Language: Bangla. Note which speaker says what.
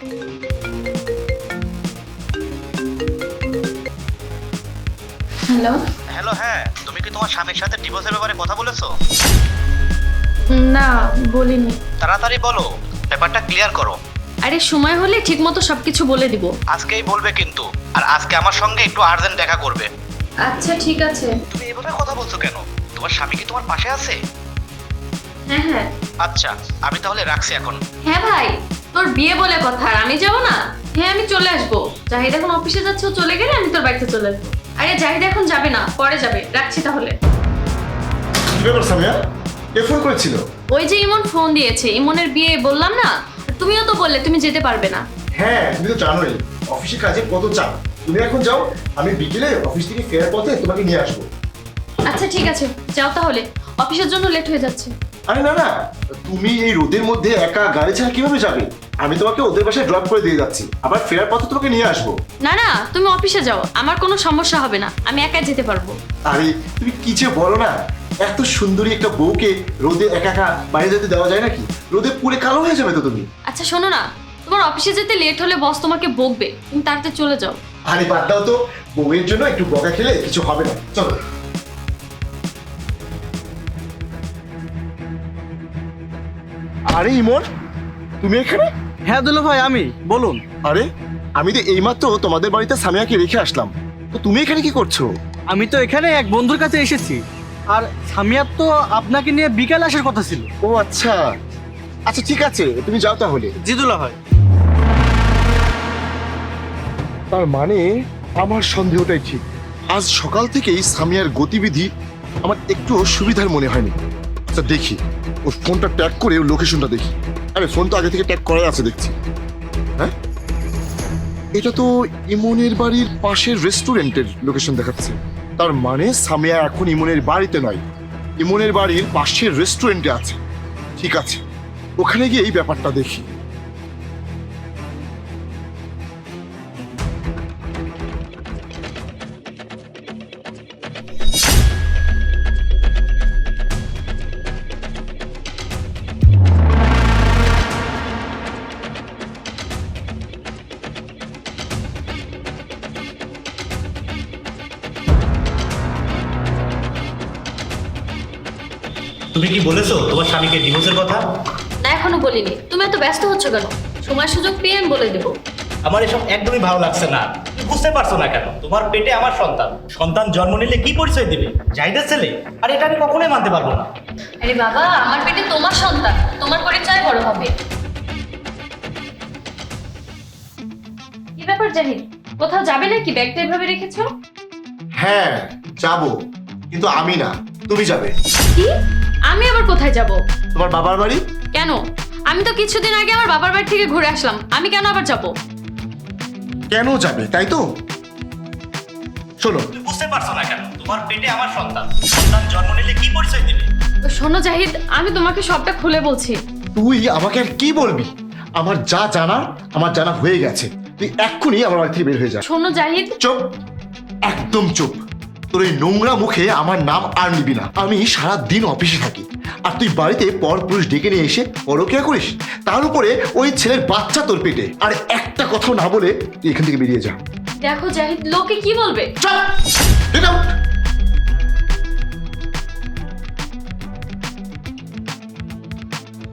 Speaker 1: হ্যালো।
Speaker 2: হ্যালো, হ্যাঁ, তুমি কি তোমার স্বামীর সাথে ডিভোর্সের ব্যাপারে কথা বলেছো?
Speaker 1: না, বলিনি।
Speaker 2: তাড়াতাড়ি বলো, ব্যাপারটা ক্লিয়ার করো।
Speaker 1: আরে সময় হলে ঠিকমতো সবকিছু বলে দিব।
Speaker 2: আজকেই বলবে কিন্তু, আর আজকে আমার সঙ্গে একটু আর্জেন্ট দেখা করবে।
Speaker 1: আচ্ছা ঠিক আছে।
Speaker 2: তুমি এভাবে কথা বলছো কেন? তোমার স্বামী কি তোমার পাশে আছে?
Speaker 1: হ্যাঁ হ্যাঁ।
Speaker 2: আচ্ছা, আমি তাহলে রাখছি এখন।
Speaker 1: হ্যাঁ ভাই, তোর বিয়ে বলে কথা, আর আমি যাব না? হ্যাঁ আমি চলে আসবো। জাহিদ এখন অফিসে যাচ্ছে, ও চলে গেলে আমি তোর বাড়িতে চলে আসবো। আরে জাহিদ এখন যাবে না, পরে যাবে। রাখছি তাহলে।
Speaker 3: কি ব্যাপার সামিয়া? কে ফোন করেছিল?
Speaker 1: ওই যে ইমন ফোন দিয়েছে, ইমনের বিয়ে বললাম না? তুমিও তো বললে তুমি যেতে পারবে না।
Speaker 3: হ্যাঁ, তুমি তো জানোই অফিসে কাজে কত চাপ। তুমি এখন যাও, আমি বিকেলে অফিস থেকে ফেরার পথে তোমাকে নিয়ে আসবো।
Speaker 1: আচ্ছা ঠিক আছে, যাও তাহলে, অফিসের জন্য লেট হয়ে যাচ্ছে।
Speaker 3: আরে না না, তুমি এই রোদের মধ্যে একা গাড়ি ছাড়া কিভাবে যাবে? আমি তোমাকে ওদের বাসায় ড্রপ করে দিয়ে যাচ্ছি, আবার ফেরার পথে তোমাকে নিয়ে আসবো।
Speaker 1: না না, তুমি অফিসে যাও, আমার কোনো সমস্যা হবে না, আমি একাই যেতে পারবো।
Speaker 3: আরে তুমি কি যে বলো না, এত সুন্দরী একটা বউকে রোদে একা একা বাইরে যেতে দেওয়া যায় নাকি? রোদে পুরে কালো হয়ে যাবে তো তুমি।
Speaker 1: আচ্ছা শোনো না, তোমার অফিসে যেতে লেট হলে বস তোমাকে বকবে, তুমি তাড়াতাড়ি চলে যাও।
Speaker 3: আরে বাদ দাও তো, বউয়ের জন্য একটু বকা খেলে কিছু হবে না, চলো। আরে ইমন, তুমি এখানে?
Speaker 4: হ্যাঁ দুলা ভাই, আমি বলুন।
Speaker 3: আরে আমি তো এইমাত্র তোমাদের বাড়িতে সামিয়াকে রেখে আসলাম, তো তুমি এখানে কি করছো?
Speaker 4: আমি তো এখানে এক বন্ধুর কাছে এসেছি, আর সামিয়ার তো আপনাকে নিয়ে বিকাল আসার কথা ছিল।
Speaker 3: ও আচ্ছা, আচ্ছা ঠিক আছে, তুমি যাও তাহলে।
Speaker 4: জি দুলা ভাই।
Speaker 3: তার মানে আমার সন্দেহটাই ঠিক। আজ সকাল থেকেই সামিয়ার গতিবিধি আমার একটু সুবিধার মনে হয়নি। আচ্ছা দেখি, ওর ফোনটা ট্যাগ করে ওর লোকেশনটা দেখি। আরে ফোন তো আগে থেকে ট্যাগ করাই আছে দেখছি। হ্যাঁ, এটা তো ইমনের বাড়ির পাশের রেস্টুরেন্টের লোকেশন দেখাচ্ছে। তার মানে সামিয়া এখন ইমনের বাড়িতে নয়, ইমনের বাড়ির পাশের রেস্টুরেন্টে আছে। ঠিক আছে, ওখানে গিয়ে এই ব্যাপারটা দেখি।
Speaker 2: তুমি কি বলেছো তোমার স্বামীকে ডিভোর্সের কথা?
Speaker 1: না এখনো বলিনি, তুমি এত ব্যস্ত হচ্ছ কেন? সময় সুযোগ পেয়ে আমি বলে দেবো।
Speaker 2: আমার এসব একদমই ভালো লাগছে না। তুমি বুঝতে পারছো না কেন? তোমার পেটে আমার সন্তান, সন্তান জন্ম নিলে কি পরিচয় দিবে? জাহিদের ছেলে? আর এটা আমি কখনোই মানতে পারবো না।
Speaker 1: আরে বাবা, আমার পেটে তোমার সন্তান, তোমার পরিচয় বড় হবে। কি ব্যাপার জাহিদ, কোথাও যাবে নাকি? ব্যাগটা এভাবে রেখেছো?
Speaker 3: হ্যাঁ যাবো, কিন্তু আমি না, তুমি যাবে।
Speaker 1: কি? আমি আবার কোথায় যাব?
Speaker 3: তোমার বাবার বাড়ি।
Speaker 1: কেন? আমি তো কিছুদিন আগে আমার বাবার বাড়ি থেকে ঘুরে আসলাম, আমি কেন আবার যাব?
Speaker 3: কেন যাবে তাই তো? শোনো,
Speaker 2: তুমি বুঝতে পারছো না কেন? তোমার পেটে আমার সন্তান, সন্তান জন্ম নিলে কি পরিচয় দিবে?
Speaker 1: শোনো জাহিদ, আমি তোমাকে সবটা খুলে বলছি।
Speaker 3: তুই আমাকে আর কি বলবি? আমার যা জানা, আমার জানা হয়ে গেছে। তুই এক্ষুনি আমার বাড়ি থেকে বের হয়ে যা।
Speaker 1: শোনো জাহিদ।
Speaker 3: চুপ, একদম চুপ। তোর এই নোংরা মুখে আমার নাম আর নিবি না। আমি সারা দিন অফিসে থাকি, আর তুই বাড়িতে পরপুরুষ ডেকে নিয়ে এসে পরকীয়া করিস। তার উপরে ওই ছেলের বাচ্চা তোর পেটে। আর একটা কথাও না বলে তুই এখান থেকে বেরিয়ে যা।
Speaker 1: দেখো জাহিদ, লোকে কি বলবে?
Speaker 3: চল, get out!